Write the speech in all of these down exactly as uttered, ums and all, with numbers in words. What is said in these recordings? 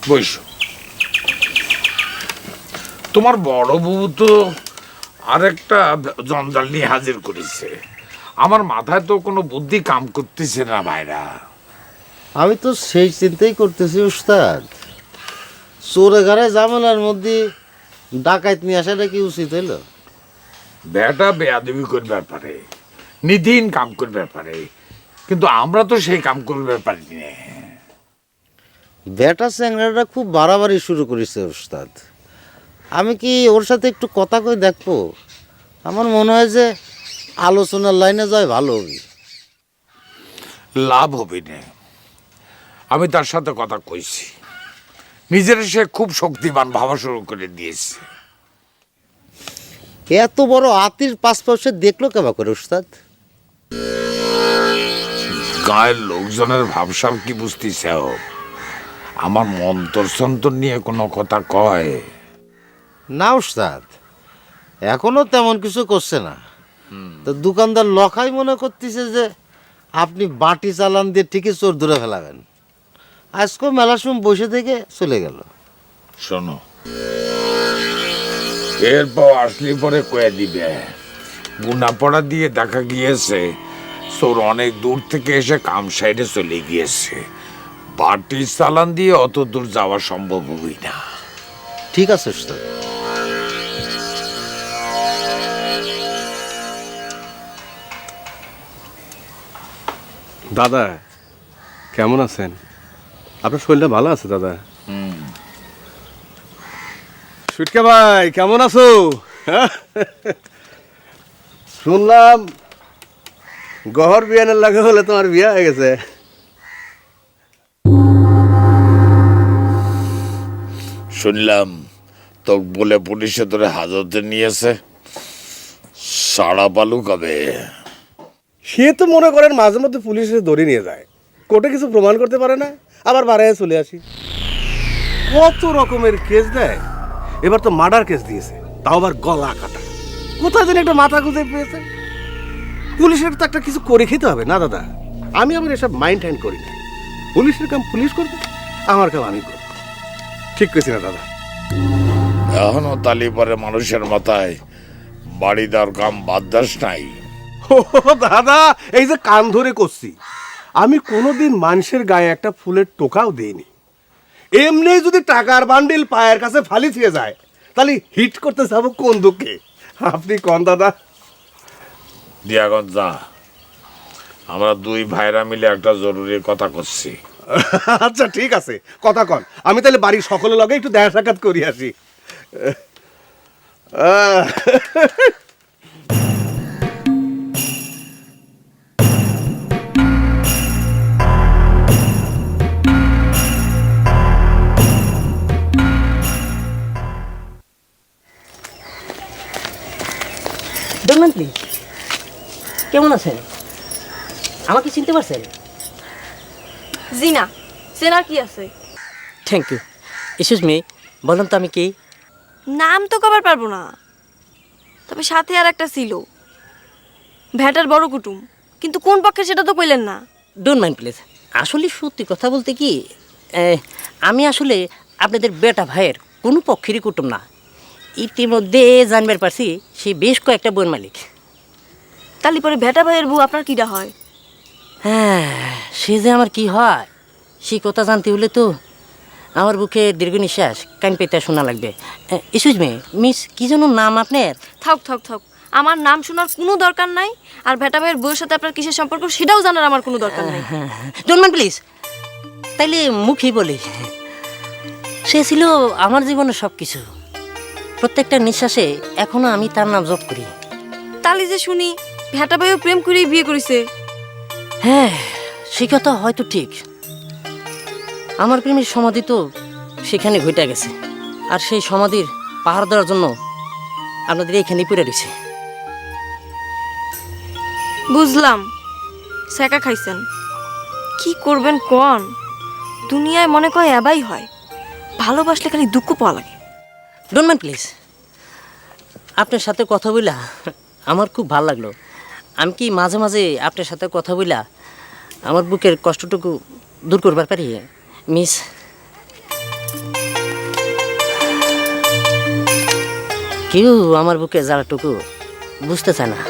বসো। তোমার বড় বউ তো আরেকটা জঞ্জাল নিয়ে হাজির করেছে। আমার মাথায় তো কোনো বুদ্ধি কাম করতেছে না ভাইরা। আমি তো সেই চিন্তাই করতেছি উস্তাদ, চোরে ঘরে ঝামেলার মধ্যে ডাকাইত নিয়ে আসাটা কি উচিত হইল? বেটা বেয়াদবি করবার পারে, নিধিন কাম করবার পারে, কিন্তু আমরা তো সেই কাম করবার পারি না। বেটা চ্যাংড়াটা খুব বাড়াবাড়ি শুরু করেছে উস্তাদ। আমি কি ওর সাথে একটু কথা কই দেখবো? আমার মনে হয় যে আলোচনার লাইনে যায় ভালো হবে। লাভ হবে না। আমি তার সাথে কথা কইছি, নিজের সে খুব শক্তিমান ভাবা শুরু করে দিয়েছে। এত বড় আতির পাশপাশে দেখলো কেবা করে উস্তাদ? গায়ের লোকজনের ভাবসাব কি বুঝতেছে? আমার মন্তর সন্তর নিয়ে কোনো কথা কয় না উস্তাদ, এখনো তেমন কিছু করছে না। তো দোকানদার লখাই মনে করতেছে যে আপনি বাটি চালান দিয়ে ঠিকই চোর ধরে ফেলাবেন। আজকেও মেলার সময় বসে থেকে চলে গেল। শোনো, এরপর আসলে পরে কয়ে দিবে। গুনা পড়া দিয়ে দেখা গিয়েছে চোর অনেক দূর থেকে এসে কাম সাইডে চলে গিয়েছে। বাটি চালান দিয়ে অত দূর যাওয়া সম্ভব হই না। ঠিক আছে উস্তাদ। দাদা কেমন আছেন? আপনার শরীরটা ভালো আছে দাদা? সুটকা ভাই কেমন আছো? শুনলাম গহর বিয়ানের লাগে হলে তোমার বিয়া হয়ে গেছে। শুনলাম তো বলে পুলিশে ধরে হাজতে নিয়েছে। সাড়া পালু কবে? সে তো মনে করেন মাঝে মধ্যে পুলিশে ধরে নিয়ে যায়, কোর্টে কিছু প্রমাণ করতে পারে না, আবার বাড়ায় চলে আসি। কত রকমের কেস দেয়। এবার তো মার্ডার কেস দিয়েছে, তাও আবার গলা কাটা। কোথায় যেন একটা মাথা খুঁজে পেয়েছে। পুলিশের তো একটা কিছু করে খেতে হবে না দাদা। আমি আবার এসব মাইন্ড হ্যান্ড করি না। পুলিশের কাম পুলিশ করবে, আমার কাম আমি করব। ঠিক কইছি না দাদা? এখনো তালিবারে মানুষের মাথায় বাড়ি দেওয়ার কাম বাদ দাস নাই। ও দাদা, এই যে কান ধরে করছি, আমি কোনোদিন মানুষের গায়ে একটা ফুলের টোকাও দেইনি। এমনি যদি টাকার বান্ডিল পায়ের কাছে ফালি দিয়ে যায়, তাহলে হিট করতে যাবো কোন দুঃখে? আপনি কোন দাদা? দিয়াগঞ্জ যা, আমরা দুই ভাইরা মিলে একটা জরুরি কথা করছি। আচ্ছা ঠিক আছে, কথা কন। আমি তাহলে বাড়ির সকলের লগে একটু দেখা সাক্ষাৎ করি আসি। আহ, দেখবেন প্লিজ, কেমন আছেন? আমাকে চিনতে পারছেন? জি না, চেনার কি আছে? Thank you. এক্সকিউজ মি, বলুন তো আমি কি? নাম তো কবার পারবো না, তবে সাথে আর একটা ছিল, ভ্যাটার বড় কুটুম, কিন্তু কোন পক্ষে সেটা তো কইলেন না। Don't mind please. আসলে সত্যি কথা বলতে কি, আহ, আমি আসলে আপনাদের বেটা ভাইয়ের কোনো পক্ষেরই কুটুম না। ইতিমধ্যে জানবার পারছি সে বেশ কয়েকটা বইয়ের মালিক। তালি পরে ভ্যাটা ভাইয়ের বউ আপনার কিটা হয়? হ্যাঁ, সে যে আমার কি হয় সেই কথা জানতে হলে তো আমার বুকে দীর্ঘ নিঃশ্বাস কান পেতে শোনা লাগবে। এক্সকিউজ মি মিস, কি যেন নাম আপনার? থাক থাক থাক, আমার নাম শোনার কোনো দরকার নাই, আর ভ্যাটা ভাইয়ের বউয়ের সাথে আপনার কিসের সম্পর্ক সেটাও জানার আমার কোনো দরকার নাই। Don't mind please. তাইলে মুখেই বলি, সে ছিল আমার জীবনের সব কিছু। প্রত্যেকটা নিঃশ্বাসে এখনো আমি তার নাম জপ করি। তালি যে শুনি ভ্যাটা ভাইও প্রেম করেই বিয়ে করেছে। হ্যাঁ, সে কথা হয়তো ঠিক। আমার প্রেমের সমাধি তো সেখানে ঘটে গেছে, আর সেই সমাধির পাহাড় দেওয়ার জন্য আপনাদের এখানেই পড়ে রয়েছে। বুঝলাম, সেকা খাইছেন। কি করবেন কোন? দুনিয়ায় মনে কয় এবাই হয়, ভালোবাসলে খালি দুঃখ পাওয়া লাগে। Don't mind please. আপনার সাথে কথা বইলা আমার খুব ভালো লাগলো। আমি কি মাঝে মাঝে আপনার সাথে কথা বইলা আমার বুকের কষ্টটুকু দূর করবার পারি মিস? কেউ আমার বুকে জ্বালাটুকু বুঝতে চায় না।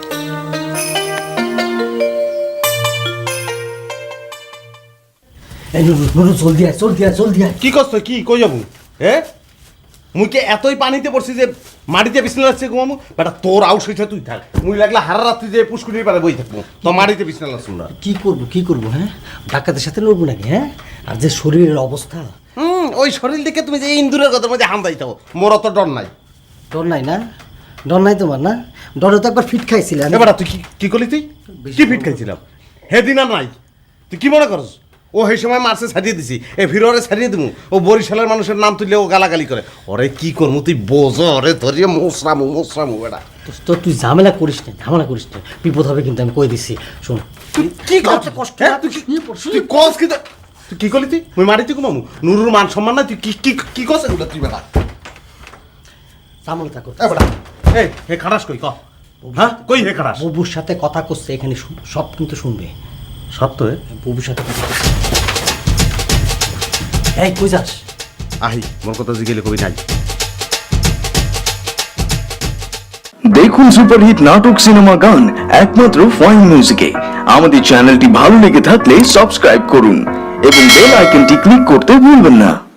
এই নুরু নুরু জলদি আয় জলদি আয় জলদি আয়। কি করছ কি কই যাবো হ্যাঁ মুই কে এতই পানিতে পড়ছি যে মাটিতে বিছনা লাগছে ঘুমামু বেটা তোর আউস হইছে তুই থাক মুই লাগলে হারা রাত্রি যে পুষ্কুনির পারে বই থাকবো তো মাটিতে বিছনা লাগছ না। কি করবো কি করবো হ্যাঁ ডাকাতের সাথে লড়বো নাকি হ্যাঁ আর যে শরীরের অবস্থা হুম ওই শরীর দেখে তুমি যে ইন্দুরের কথা মধ্যে হাম দাইতাও মোর অত ডর নাই। ডর নাই না ডর নাই তোমার না ডরে তো একবার ফিট খাইছিলে আমি। এবার তুই কি কি করলি তুই কি ফিট খাইছিলাম হেদিন আর নাই তুই কি মনে করস ও সেই সময় মার্সে ছাড়িয়ে দিছি এ ফিরোরে ছাড়িয়ে দিমু ও বরিশালের মানুষের নাম তুললে ও গালাগালি করে ওরে কি করমু তুই বোঝ ওরে ধরিয়ে মোসরামু মোসরামু বেটা তো- তো তুই ঝামেলা করিস না ঝামেলা করিস না বিপদ হবে কিন্তু আমি কই দিছি শোন তুই কি করছিস কষ্ট হ্যাঁ তুই কি তুই কস কি তুই তুই কি করলি তুই মুই মারিতে ঘুমামু নুরুর মান সম্মান নাই তুই কি কি কি কস এগুলা তুই বেটা ঝামেলা কর এ বেটা এই হে খারাস কই ক হ্যাঁ কই হে খারাস বুবুর সাথে কথা করছে এখানে শুন- সব কিন্তু শুনবে সত্য হে বুবুর সাথে কথা করছে। এই কই যাস আহি মোর কথা জিগেলে কবি নাই দেখুন সুপারহিট নাটক সিনেমা গান একমাত্র ফাইন মিউজিকে। আমাদের চ্যানেলটি ভালো লেগে থাকলে সাবস্ক্রাইব করুন এবং বেল আইকনটি ক্লিক করতে ভুলবেন না।